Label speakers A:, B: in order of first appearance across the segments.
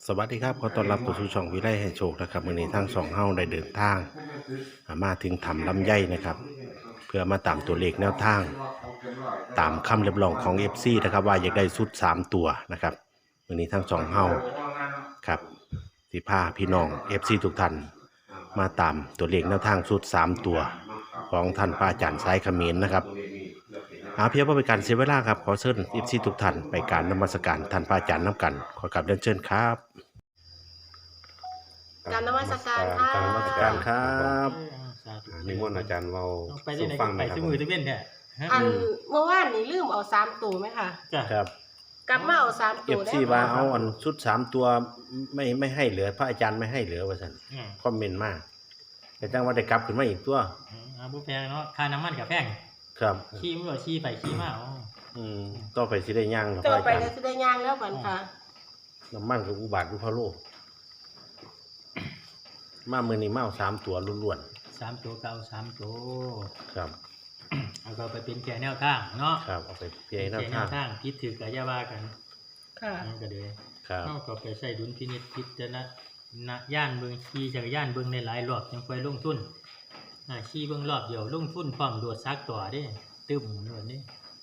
A: สวัสดีครับขอต้อนรับสู่ช่องวิไลให้โชคนะครับวันนี้ทั้งสองเฮาได้เดินทางมาถึงถ้ำลำไยนะครับเพื่อมาตามตัวเลขแนวทางตามคำเรียกร้องของ FC นะครับว่าอยากได้ชุด3ตัวนะครับวันนี้ทั้งสองเฮาครับสิพาพี่น้อง FC ทุกท่านมาตามตัวเลขแนวทางชุด3ตัวของท่านพระอาจารย์สายเขมรนะครับเพียงเพื่อเป็นการเสียเวลาครับขอเชิญ FC ทุกท่านไปการนมัสการท่านพระอาจารย์น้ำกันขอกราบเรียนเชิญครับ
B: การนมัสการค่ะ
A: การนมัสการครับ
C: สาธุ
A: นิมนต์อาจารย์เรา
C: ไปที่ไหนก็ไปที่มือที่เว้นเนี่ย
B: อันเมื่อวานนี้ลืมเอา3ตัวไหมคะ
C: จ้ะ
A: ครับ
B: กลับมาเอา3
A: เอ
B: ตัว
A: ฟ
B: ได้
A: ซี
B: ไหม
A: ว่า
B: คะ
A: เอาอันชุด3ตัวไม่ให้เหลือพระอาจารย์ไม่ให้เหลือว่าซั่นคอมเมนต์มาแต่จังว่าได้กลับขึ้นมาอีกตัว
C: บุแพงเนาะค่าน้ำมันกับแพง
A: ครับ
C: ขี้มือขี้ไปขี้มาอ๋อ
A: ต่อไปสิได้ย่างเหรอพ
B: ต่อ
A: ระอา
B: ไป
A: จาร
B: ก็
A: ย์
B: จะได้ย่างแล้วบันค่ะ
A: น้ำมันกับอุบาทอุพะโลมามื้อนี้มาเอา3ตัวล้วน
C: 3 ตัวเก่า3 ตัว
A: ๆครับ
C: เอาก็ไปเป็นแก่แนวทางเนาะ
A: ครับเอาไปเพีย
C: เป็น
A: หน้า
C: แก่แน
A: ทาง
C: วทางคิดถือกับยาว่ากัน
B: ค่ะ
C: นั่นก็เลย
A: ครับ
C: เขาก็ไปใส่ดุลพินิจพิจารณาย่านเบิ่งขี่จักรยานเบิ่งในหลายรอบจังค่อยลงทุนขี่เบิ่งรอบเดียวลงทุนพร้อมโดดซักต่อเด้ตึมโดดนี่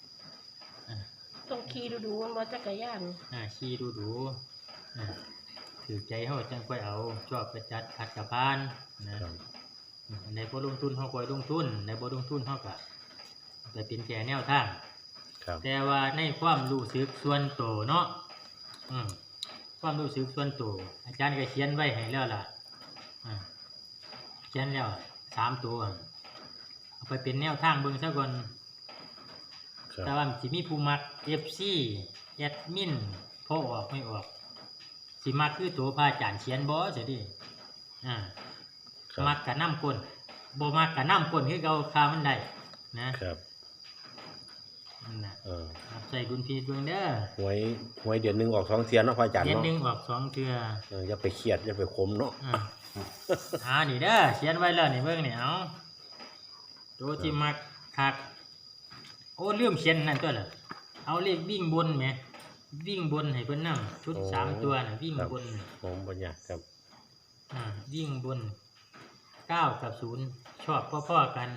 B: ต้องขี่ดูๆมันบ่จักรยาน
C: ขี่ดูถือใจเขาจังค่อยเอาชอบไปจัดขัดกับบ้านนะครับ ในบ่ลงทุนเขาค่อยลงทุนในบ่ลงทุนเขาก็ไปเป็นแก่แนวทาง
A: ครับ
C: แต่ว่าในความรู้สึกส่วนตัวเนาะความรู้สึกส่วนตัวอาจารย์ก็เขียนไว้ให้แล้วล่ะเขียนแล้ว3 ตัวเอาไปเป็นแนวทางเบิ่งซะก่อน
A: ครับ
C: แต่ว่าสิมีผู้มัก FC แอดมินพอออกไม่ออกสิมักคือตัวพระอาจารย์เขียนบ่สิดิ
A: ครับ
C: มักกะน้ำก้นบ่มักกะน้ำก้นคือเก่าคามันได้นะครับ นั่นน่ะใส่ดุลพินิจเบิ่งเด้อ
A: หวยเดือนหนึงออก2เที่ยเนาะพระอาจารย์
C: เดือน
A: เนาะ
C: หนึงออก2เทื่อ
A: อย่าไปเครียดอย่าไปขมเนาะ
C: นี่เด้อเขียนไว้แล้วนี่เบิ่งนี่เอาตัวที่มักคักโอ้ลืมเขียนนั่นตัวน่ะเอาเลขวิ่งบนแหมวิ่งบนให้เพิ่นนำชุด3ตัวน่ะวิ่งบน
A: ผมบ่อยากครับ
C: วิ่งบน9กับ0ชอบพ่อๆกัน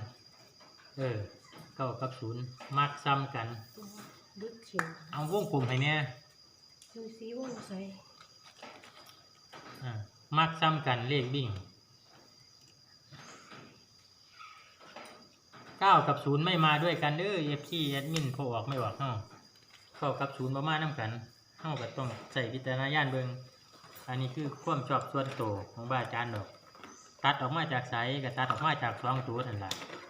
C: 9กับ0มักซ้ำกัน
B: ดึกขิง
C: เอาวงกลมให้แน่
B: ดูซิวงใส่
C: มักซ้ำกันเลขวิ่ง9กับ0ไม่มาด้วยกันเด้อ FC แอดมินพอออกไม่ออกเฮา9กับ0บ่มานำกันเฮาก็ต้องใช้วิจารณญาณเบิ่งอันนี้คือความชอบส่วนตัวของบาอาจารย์ดอกตัดออกมาจากไสก็ตัดออกมาจาก2ตัวนั่นล่ะ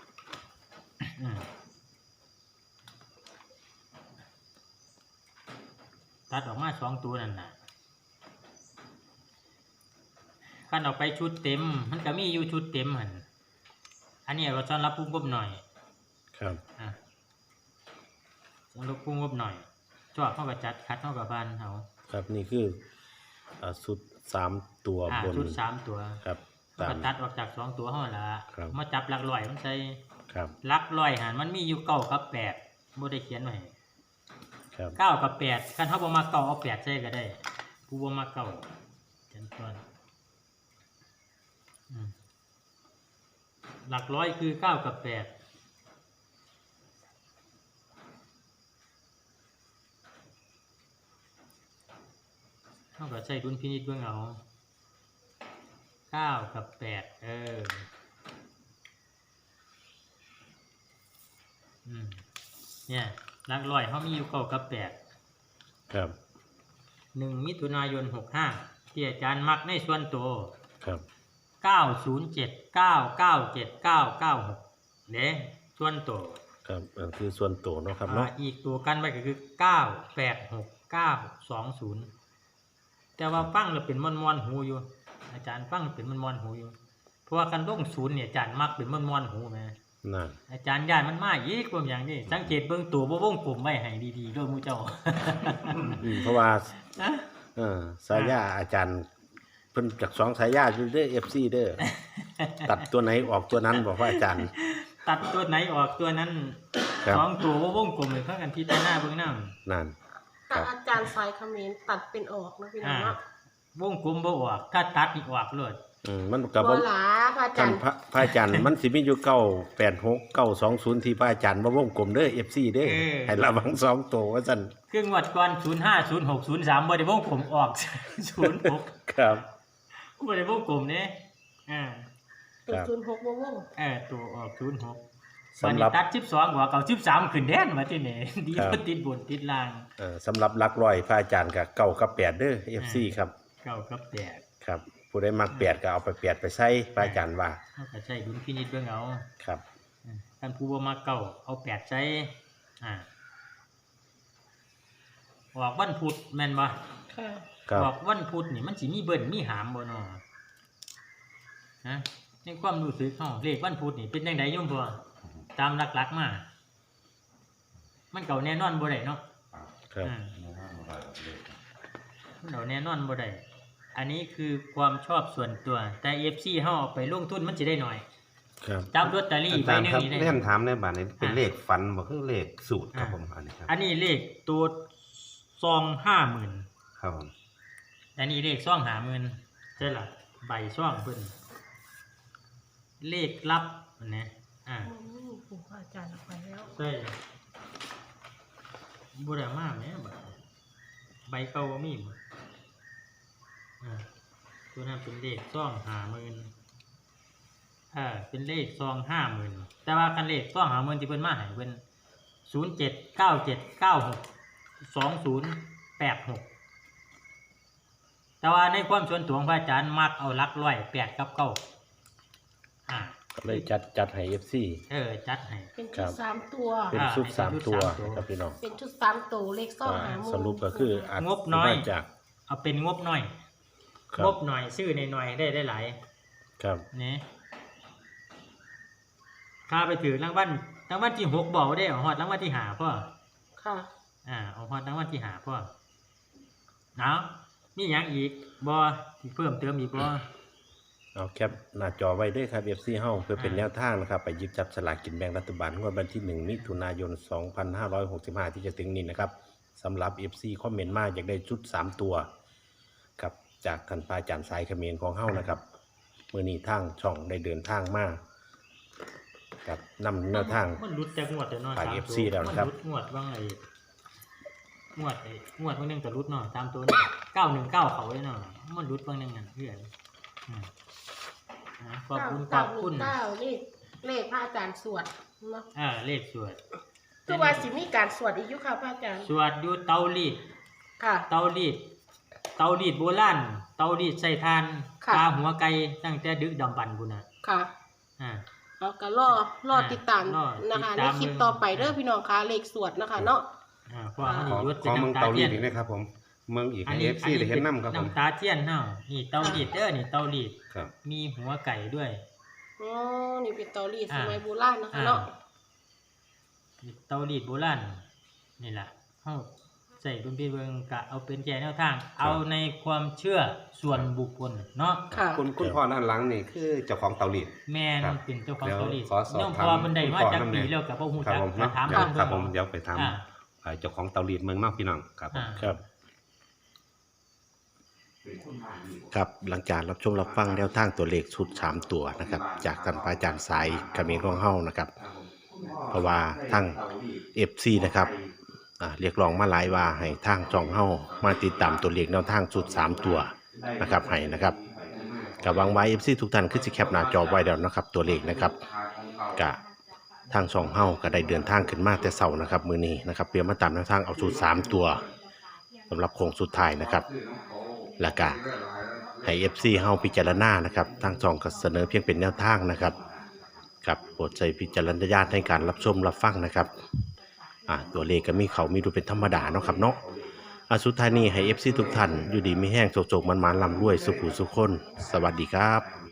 C: ตัดออกมา2ตัวนั่นน่ะคันออกไปชุดเต็มมันก็มีอยู่ชุดเต็มหั่นอันนี้ก็ต้อนรับผู้งบหน่อย
A: ครับ
C: ต้อนรับผู้งบหน่อยชอบเฮาก็จัดคัดเฮาก็บานเฮา
A: ครับนี่คือสุด3ตัวบน
C: ชุด3ตัว
A: ครับ
C: ก็ตัดออกจาก2ตัวเฮาล่ะ
A: ครับ
C: มาจับหลักร้อยมันใส่
A: ครับ
C: หลักร้อยหั่นมันมีอยู่9กับ8บ่ได้เขียนไว้
A: ครับ
C: 9กับ8คันเฮาบ่มัก9เอา8ใส่ก็ได้ผู้บ่มัก9จังต้นหลักร้อยคือ9กับ8เฮาก็ใช้ดุลพินิจเบิ่งเอา9กับ8เนี่ยหลักร้อยเฮามีอยู่9กับ8
A: ครับ
C: 1 มิถุนายน 65ที่อาจารย์มักในส่วนตัว
A: ครับ
C: 907 997 996เด้ส่วนตัว
A: ครับคือส่วนตัวเนาะครับเนาะ
C: อีกตัวกันไว้ก็คือ986 920แต่ว่าฟังแล้วเป็นมอนๆหูอยู่อาจารย์ฟังเป็นมอนๆหูอยู่เพราะว่าคันลง0เนี่ยอาจารย์มักเป็นมอนๆหูแม่
A: นั่น
C: อาจารย์ย้ายมันมาอีกพวกอย่างนี้สังเกตเบิ่งตัวบ่วงกลมไว้ให้ดีๆด้วยหมู่เจ้า
A: เพราะว่า
C: นะ
A: สายาอาจารย์เพิ่นจาก2สายาอยู่เด้อ FC เด้อ ตัดตัวไหนออกตัวนั้นบอกว่าอาจารย์
C: ตัดตัวไหนออกตัวนั้น
A: ครับ
C: 2ตัวบ่วงกลมเลยเพิ่นกันพิจารณาเบิ่งนำ
A: นั่น
B: แต่อาจารย์สายเขมรตัดเป็นออกนะพี่น้องเนาะ
C: วงกลมบ่ออกถ้าตัดนี่ออกเลย
A: มันก็
B: บั
A: บ่
B: วหลาพระอาจา
A: ท่าร น
B: ย์
A: พระอาจารย์ มันสิมีอยู่986 920ที่พระอาจารย์มาวงกลมเด้อ FC เด้อให้ระวัง2ตัวว่าซั่น
C: คืองวดก่อน05 06 03บ่ได้วงกลมออก 06
A: ครับ
C: บ่ได้วงกลมเด้
B: ตัว
A: ครับ
B: 06วง
C: ตัวออก06
A: สำหรับ
C: วันนี้ตัด12กว่าเก่า13ขึ้นแดนว่าที่นี่ ดีบ่ติดบนติดล่าง
A: สำหรับหลักร้อยพระอาจารย์ก็9กับ8เด้อ FC ครับ
C: เก้ากับแปด
A: ครับผู้ใดมัก8ก็เอาไป8ไปใส่พระอาจารย์ว่า
C: เฮาก็ใช้ดุลพินิจเบิ่งเอา
A: ครับ
C: ท่านผู้บ่มักเก้าเอาแปดใช้ออกวันพุธแม่นบ่
B: ๆค่ะ
A: ครับ
C: ออกวันพุธนี่มันสิมีเบิ่นมีหามบ่เนาะฮะในความรู้สึกเฮาเลขวันพุธนี่เป็นจังไดโยมพ่อตามหลักๆมามันเก่าแน่นอนบ่ได้เนาะ
A: ครับ
C: มันเก่าแน่นอนบ่ได้อันนี้คือความชอบส่วนตัวแต่ FC เฮาเอาไปลงทุนมันสิได้น้อย
A: ครับ
C: จับลอตเตอรี่
D: อา
C: ใบ
D: จาร
C: หนึ
D: ย์
C: ง
D: ครับ
C: นี่ได้
D: เล่นถามในบ้านนี้เป็นเลขฟันบ่คือเลขสูตรครับผมอันนี้ครับ
C: อันนี้เลขตัวซอง50,000
D: ครับผม
C: อันนี้เลขซ่อง50,000ใช่ล่ะใบซ่องเพิ่นเลขลับอันนี้
B: ปู่พระอาจารย์เอาไปแล้ว
C: ใช่บ่ได้มาแหมบัดใบเก่าบ่มีบ่ตัวนั้นเป็นเลขซ่อง50,000เป็นเลขซอง50,000แต่ว่าคันเลขซ่อง50,000ที่เพิ่นมาให้เพิ่น0797962086แต่ว่าในความส่วนตัวของพระอาจารย์มักเอาหลักร้อย8กับ9
A: ก็เลยจัดให้ FC
C: จัดให้
B: เป็น
A: ครั
B: ชุด
A: บ
B: 3ตัว
A: เป็นชุด
C: เป็นชุด
A: 3 ตัว
C: สามตัว
A: ครับพี่น้อง
B: เป็นชุด3ตัวเลขซ่องหาหมู่
A: สรุปก็คืออาจ
C: งบน้อย
A: มาจาก
C: เอาเป็นงบน้อย
A: ครั
C: ง
A: บบ
C: หน่อยซื้อหน่อยๆได้หลาย
A: ครับ
C: นี่ค่าไปถือรางวัลที่6บอกได้เอาฮอดรางวัลที่5พ่อ
B: ค่ะ
C: เอาฮอดรางวัลที่5พ่อเอามีหยังอีกบ่ที่เพิ่มเติมอีกบ่
A: เอาแคปหน้าจอไว้ด้วยครับ FC เฮาเพื่อเป็นแนวทางนะครับ ไปหยิบจับสลากกินแบ่งรัฐบาลงวดวันที่ 1 มิถุนายน 2565 ที่จะถึงนี้นะครับสำหรับ FC คอมเมนต์มาอยากได้ชุด 3 ตัวครับจากท่านพระอาจารย์สายเขมรของเฮานะครับมื้อนี้ทางช่องได้เดินทางมากับนำแนวทาง
C: มันหลุดจากงวดแต่เนาะ
A: ฝาก
C: สาม
A: FC
C: ตัว
A: แล้วนะครับ
C: มันหลุดงวดว่างงวดบางนึงก็หลุดเนาะตามตัวนี่919เขาเลยเนาะมันหลุดบางนึงนั่นเพื่อนขอบคุณ
B: เลขพระอาจารย์สวดเนาะ
C: เลขสวด
B: คือว่าสิมีการสวดอีกอยู่ค่ะพระอาจารย์
C: สวดอยู่เตารีด
B: ค่ะ
C: เตารีดโบราณเตารีดใส่ทาน
B: ค่ะ
C: ปลาหัวไก่ตั้งแต่ดึกดำบรรพ์พุ่นน่ะ
B: ค่ะ เราก็รอติดตาม
C: รอ
B: นะคะ
C: ติด
B: ใน
C: ตาม
B: คลิปต่อไปเด้อพี่น้องคะเลขสวดนะคะเนาะ
C: เพราะว่ามัน
D: ขอ
C: ยุด
D: ข
C: เป็น
D: อเมือง
C: น้ำตา
D: เตาลี
C: เทียน
D: ดอีกนะครับผมเมืองอีก
C: อัน
D: ให้
C: นี้
D: FC ได้เห็นน้ำครับผม
C: น้ำตาเทียนเฮานี่เตารีดนี่เตารีด
D: ครับ
C: มีหัวไก่ด้วย
B: อ๋อ นี่เป็นเตารีดสมัยโบราณนะคะเนาะ
C: เตารีดโบราณนี่แหละเฮาใส่ดุลพินิจเบิ่งกะเอาเป็นแก่แนวทาง เอาในความเชื่อส่วนบุคคลเนาะ
B: ค่ะ
D: คุณพ่อด้านหลังนี่คือเจ้าของเตาลีด
C: แม่น
D: ครับ
C: เป็นเจ้าของ
D: เดี๋ยว
C: เตารีด
D: ขอสอบ
C: น้อง
D: ถาม
C: พอมันได้มา
D: คุณพ่อ
C: จาก
D: นำแน่
C: ปีแล้วก็บ่ฮู้
D: ครับ
C: จัก
D: ผม
C: มา
D: เนาะ
C: ถาม
D: เดี๋ยว
C: เพิ่น
D: ครับผม
C: เบิ่ง
D: เดี๋ยวไปถาม
C: อ่า
D: เจ้าของเตาลีดเมืองนอกพี่น้องครับผม
A: ครับ ครับหลังจากรับชมรับฟังแนวทางตัวเลขชุด 3 ตัวนะครับจากท่านพระอาจารย์สายเขมรของเฮานะครับ เพราะว่าทั้ง FC นะครับเรียกร้องมาหลายว่าให้ทางช่องเฮามาติดตามตัวเลขแนวทางชุด 3 ตัวนะครับให้นะครับกับหวังไว้ FC ทุกท่านคือสิแคปหน้าจอไว้แล้วนะครับตัวเลขนะครับกะทางช่องเฮาก็ได้เดินทางขึ้นมาแต่เช้านะครับมื้อนี้นะครับเพื่อมาตามแนวทางเอาชุด 3 ตัวสำหรับโค้งสุดท้ายนะครับแล้วก็ให้ FC เฮาพิจารณานะครับทางช่องก็เสนอเพียงเป็นแนวทางนะครับครับโปรดใช้พิจารณญาณในการรับชมรับฟังนะครับตัวเลขก็มีเขามีดูเป็นธรรมดาเนาะครับเนาะสุดท้ายนี้ให้ FC ทุกท่านอยู่ดีมีแห้งโจกๆมันๆร่ำรวยสุขุสุขคนสวัสดีครับ